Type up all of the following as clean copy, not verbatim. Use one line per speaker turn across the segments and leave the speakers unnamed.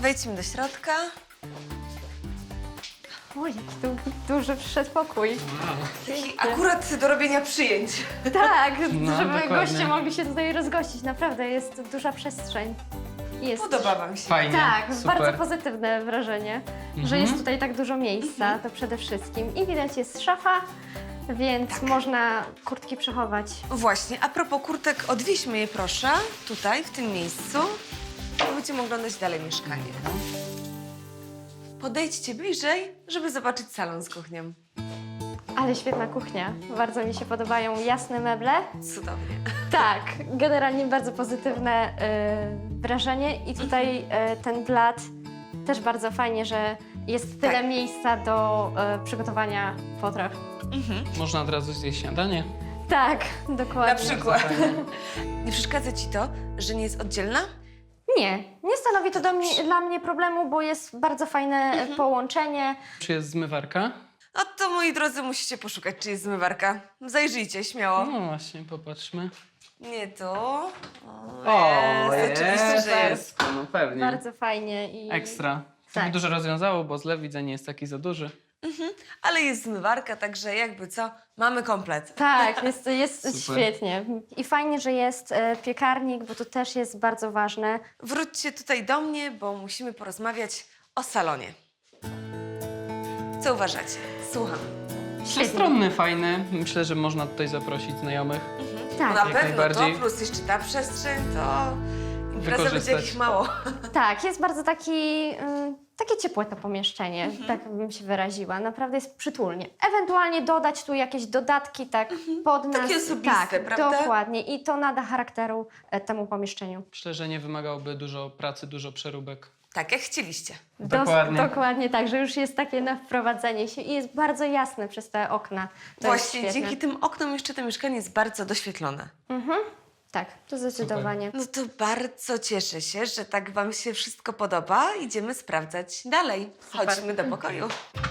wejdźmy do środka.
O, jaki tu duży przedpokój.
Akurat do robienia przyjęć.
Tak,
No,
żeby
dokładnie.
goście mogli się tutaj rozgościć. Naprawdę jest duża przestrzeń. Jest.
Podoba wam się.
Fajnie,
Tak,
super.
bardzo pozytywne wrażenie, że jest tutaj tak dużo miejsca, to przede wszystkim. I widać jest szafa, więc można kurtki przechować.
Właśnie, a propos kurtek, odwieźmy je proszę, tutaj, w tym miejscu. I będziemy oglądać dalej mieszkanie. Podejdźcie bliżej, żeby zobaczyć salon z kuchnią.
Ale świetna kuchnia, bardzo mi się podobają jasne meble.
Cudownie.
Tak, generalnie bardzo pozytywne wrażenie i tutaj ten blat też bardzo fajnie, że jest tyle
Tak.
miejsca do przygotowania potraw.
Można od razu zjeść śniadanie.
Tak, dokładnie.
Na przykład.
Fajnie.
Nie przeszkadza ci to, że nie jest oddzielna?
Nie stanowi to dla mnie problemu, bo jest bardzo fajne połączenie.
Czy jest zmywarka?
No to, moi drodzy, musicie poszukać, czy jest zmywarka. Zajrzyjcie, śmiało.
No właśnie, popatrzmy.
Nie to.
jest,
oczywiście, że jest.
No pewnie.
Bardzo fajnie i
Ekstra. To
Tak.
by dużo rozwiązało, bo zlew widzę nie jest taki za duży.
Ale jest zmywarka, także jakby co, mamy komplet.
Tak, jest
Super.
świetnie. I fajnie, że jest piekarnik, bo to też jest bardzo ważne.
Wróćcie tutaj do mnie, bo musimy porozmawiać o salonie. Co uważacie? Słucham.
Przestronny, fajny. Myślę, że można tutaj zaprosić znajomych.
Tak,
Na
jak
pewno to,
najbardziej.
plus jeszcze ta przestrzeń, to impreza będzie
Wykorzystać.
jakich mało.
tak, jest bardzo takie ciepłe to pomieszczenie, tak bym się wyraziła. Naprawdę jest przytulnie. Ewentualnie dodać tu jakieś dodatki tak pod nas.
Takie osobiste,
tak,
prawda?
Dokładnie. I to nada charakteru temu pomieszczeniu.
Myślę, że nie wymagałoby dużo pracy, dużo przeróbek.
Tak, jak chcieliście.
Dokładnie.
Dokładnie tak, że już jest takie na wprowadzenie się i jest bardzo jasne przez te okna. To jest
Właśnie,
świetne.
dzięki tym oknom jeszcze to mieszkanie jest bardzo doświetlone.
Tak, to zdecydowanie.
No to bardzo cieszę się, że tak wam się wszystko podoba. Idziemy sprawdzać dalej. Chodźmy do pokoju.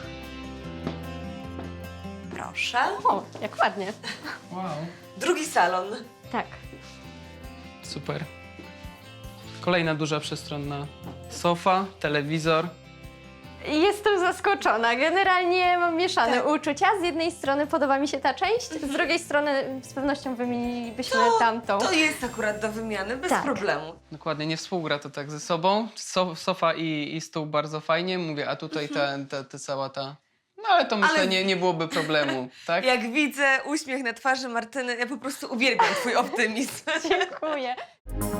Proszę.
O, jak ładnie.
Wow.
Drugi salon.
Tak.
Super. Kolejna duża przestronna sofa, telewizor.
Jestem zaskoczona. Generalnie mam mieszane
Tak.
uczucia. Z jednej strony podoba mi się ta część, z drugiej strony z pewnością wymienilibyśmy tamtą.
To jest akurat do wymiany, bez
Tak.
problemu.
Dokładnie, nie współgra to tak ze sobą. Sofa i stół bardzo fajnie, mówię, a tutaj ta cała ta... No ale to myślę,
Ale-
nie byłoby problemu, tak?
Jak widzę uśmiech na twarzy Martyny, ja po prostu uwielbiam twój optymizm.
Dziękuję.